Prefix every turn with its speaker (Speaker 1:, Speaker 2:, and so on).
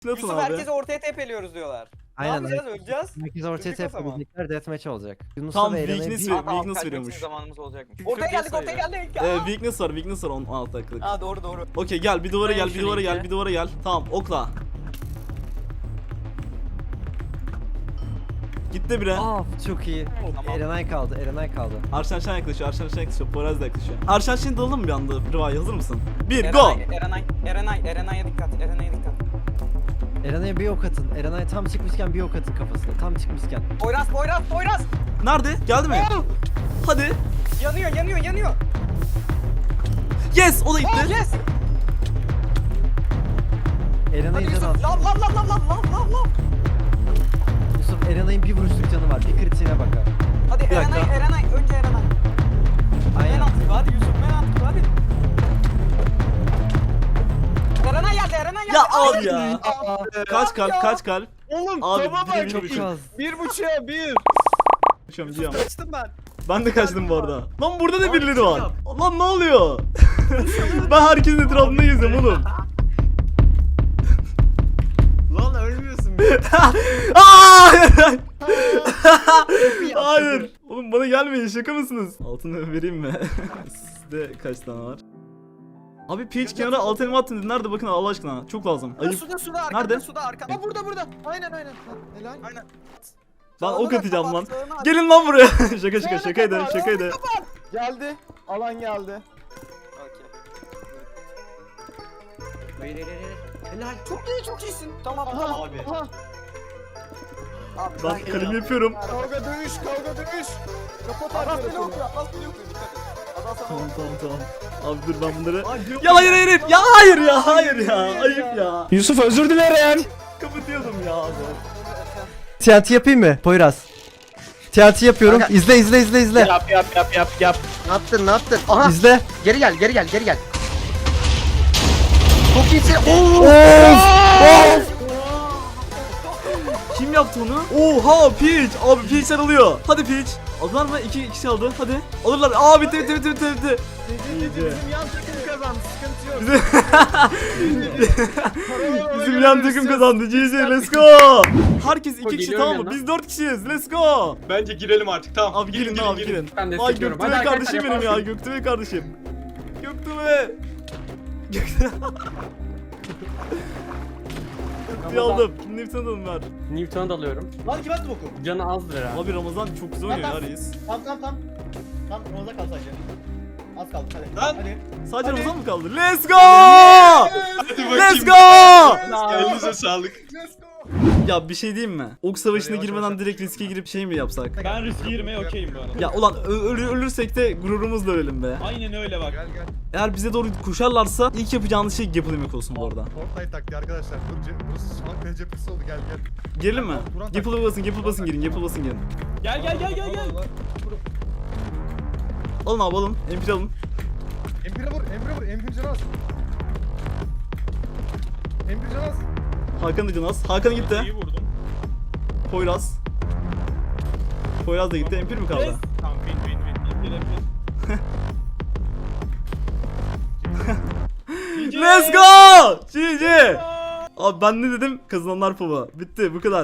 Speaker 1: Nasıl
Speaker 2: Yusuf
Speaker 1: abi?
Speaker 2: herkese ortaya tepeliyoruz diyorlar. Ne
Speaker 3: Aynen.
Speaker 2: yapacağız? Öleceğiz.
Speaker 3: Herkes ortaya
Speaker 2: Öldük o zaman.
Speaker 3: tepebilecekler, deathmatch olacak.
Speaker 1: Tam
Speaker 3: Yunus'la ve Eren'e
Speaker 1: weakness
Speaker 3: bir...
Speaker 1: ve-
Speaker 2: Aa, tamam,
Speaker 1: weakness
Speaker 2: kaçmak için
Speaker 1: veriyormuş.
Speaker 2: zamanımız olacakmış.
Speaker 4: Çünkü
Speaker 2: Ortaya geldik,
Speaker 4: sayıyor.
Speaker 2: ortaya geldik.
Speaker 1: Weakness var 16 dakikalık.
Speaker 2: Aa doğru doğru.
Speaker 1: Okey gel bir duvara
Speaker 2: Ben
Speaker 1: gel bir
Speaker 2: şunu
Speaker 1: duvara gel
Speaker 2: iyice.
Speaker 1: bir duvara gel. Tamam okla. Gitti bire.
Speaker 3: Çok iyi.
Speaker 2: Tamam.
Speaker 3: Erenay kaldı, Erenay kaldı.
Speaker 1: Arşan yaklaşıyor, Arşan yaklaşıyor, Poyraz da yaklaşıyor. Arşan şimdi dalalım mı bir anda? Riva'ya hazır mısın? 1 go!
Speaker 2: Erenay'a dikkat, Erenay'a dikkat.
Speaker 3: Erenay'a bir ok atın. Erenay tam çıkmışken bir ok atın kafasına. Tam çıkmışken.
Speaker 2: Poyraz!
Speaker 1: Nerede? Geldi mi? Hadi.
Speaker 2: Yanıyor.
Speaker 1: Yes! O da gitti.
Speaker 2: Yes! Hadi
Speaker 3: Erenay'ın canı
Speaker 2: Yusuf,
Speaker 3: az.
Speaker 2: lav.
Speaker 3: Yusuf, Erenay'ın bir vuruşluk canı var. Bir kritiğine bakar.
Speaker 2: Hadi
Speaker 1: Bir dakika.
Speaker 2: Erenay, önce Erenay. Men
Speaker 3: Aynen.
Speaker 2: atıyor, hadi Yusuf, men atıyor, hadi. Erenay geldi.
Speaker 1: Ya
Speaker 2: Ay!
Speaker 1: abi ya. Kaç kalp, kaç kalp?
Speaker 4: Oğlum
Speaker 1: Abi,
Speaker 4: tamam
Speaker 1: biri
Speaker 4: bak.
Speaker 1: biri
Speaker 3: Çok
Speaker 1: biri.
Speaker 3: az.
Speaker 4: 1.5'a 1.
Speaker 1: Kaçıyorum diyorum.
Speaker 4: Kaçtım ben.
Speaker 1: Ben de kaçtım bu arada. Lan burada da
Speaker 4: Abi,
Speaker 1: birileri
Speaker 4: çok
Speaker 1: var.
Speaker 4: yap.
Speaker 1: Lan ne oluyor? Ben herkesin etrafında geziyorum oğlum.
Speaker 4: Lan ölmüyorsun be.
Speaker 1: Aa! Hayır. Oğlum bana gelmeyin, şaka mısınız? Altını vereyim mi? Sizde kaç tane var? Abi Peach kenara alt elma attın dedi. Nerede bakın Allah aşkına. Çok lazım. Ayıp.
Speaker 4: Suda arkada.
Speaker 1: Nerede?
Speaker 4: Suda arkada. Aa burada. Aynen. Helal. Aynen.
Speaker 1: Lan ok
Speaker 2: Sağına
Speaker 1: atacağım lan.
Speaker 2: kapat, sağına at.
Speaker 1: Gelin lan buraya. şaka şakaydı.
Speaker 4: Geldi. Alan geldi.
Speaker 2: Okey.
Speaker 4: Hayır. Helal.
Speaker 2: Çok iyisin. Tamam.
Speaker 4: Abi.
Speaker 2: Abi,
Speaker 1: Ben kalemi yapıyorum.
Speaker 4: Kavga dövüş. Kapat
Speaker 2: Adas
Speaker 4: arkadaşını.
Speaker 2: beni okuyor, Adas beni okuyor. Dikkat et. Adas sana
Speaker 1: Tamam. Abi dur ben bunları.
Speaker 4: Ay, yok.
Speaker 1: Ya hayır ya. Ayıp ya.
Speaker 4: Yusuf özür dilerim.
Speaker 1: Kapatıyordum ya abi.
Speaker 3: TNT yapayım mı? Poyraz. TNT yapıyorum. İzle.
Speaker 4: Yap.
Speaker 5: Ne yaptın? Aha
Speaker 3: İzle.
Speaker 5: geri gel. Çok iyisin.
Speaker 1: Kim yaptı onu? Oha Peach. Abi Peach alıyor. Hadi Peach. Aldılar mı? 2 kişi aldı. Hadi. Alırlar. Aa bitti.
Speaker 4: Bizim yan takım kazandı. Sıkıntı yok.
Speaker 1: Bizim yan takım kazandı. GG let's go. Herkes 2 kişi
Speaker 4: geliyorum
Speaker 1: tamam mı?
Speaker 4: yanına.
Speaker 1: Biz 4 kişiyiz. Let's go.
Speaker 6: Bence girelim artık tamam.
Speaker 1: Abi girin abi girin.
Speaker 6: Ben
Speaker 1: Ay
Speaker 6: destekliyorum.
Speaker 1: Göktuğ
Speaker 6: Hadi
Speaker 1: kardeşim
Speaker 6: arkadaşlar,
Speaker 1: benim ya.
Speaker 6: yaparsın.
Speaker 1: Göktuğ kardeşim. Göktuğ. Göktuğ'u aldım. Nefes aldım ver.
Speaker 6: Newton'u da alıyorum.
Speaker 7: Lan kim attı boku?
Speaker 6: Canı azdır herhalde.
Speaker 1: Abi Ramazan çok güzel oynuyor ya reis.
Speaker 7: Tam. Tam Ramazan kaldı sadece. Az kaldı hadi.
Speaker 6: Lan!
Speaker 7: Hadi.
Speaker 1: Sadece
Speaker 7: Hadi.
Speaker 1: Ramazan mı kaldı? Let's go!
Speaker 6: Hadi bakayım.
Speaker 1: Let's go!
Speaker 6: Elinize sağlık.
Speaker 1: Ya bir şey diyeyim mi? Ok savaşına girmeden direkt riske girip şey mi yapsak?
Speaker 8: Ben riske girmeye okeyim bu arada.
Speaker 1: Ya ulan ölürsek de gururumuzla ölelim be.
Speaker 8: Aynen öyle bak.
Speaker 4: Gel.
Speaker 1: Eğer bize doğru koşarlarsa ilk yapacağınız şey Gapple yemek olsun bu arada.
Speaker 4: Fortnite taktiği arkadaşlar. Burası şu an kaleci yapısı oldu. Gel.
Speaker 1: Girelim mi? Gapple basın girin.
Speaker 8: Gel.
Speaker 1: Alın abi alın. MP alın.
Speaker 4: Empire vur. Empire canaz. Empire canaz.
Speaker 1: Hakan da canaz. Hakan gitti.
Speaker 8: İyi vurdum.
Speaker 1: Poyraz. Poyraz da gitti. MP mi kaldı?
Speaker 8: Yes. Tamam win.
Speaker 1: Let's go! GG! Abi ben ne dedim? Kazananlar pava. Bitti bu kadar.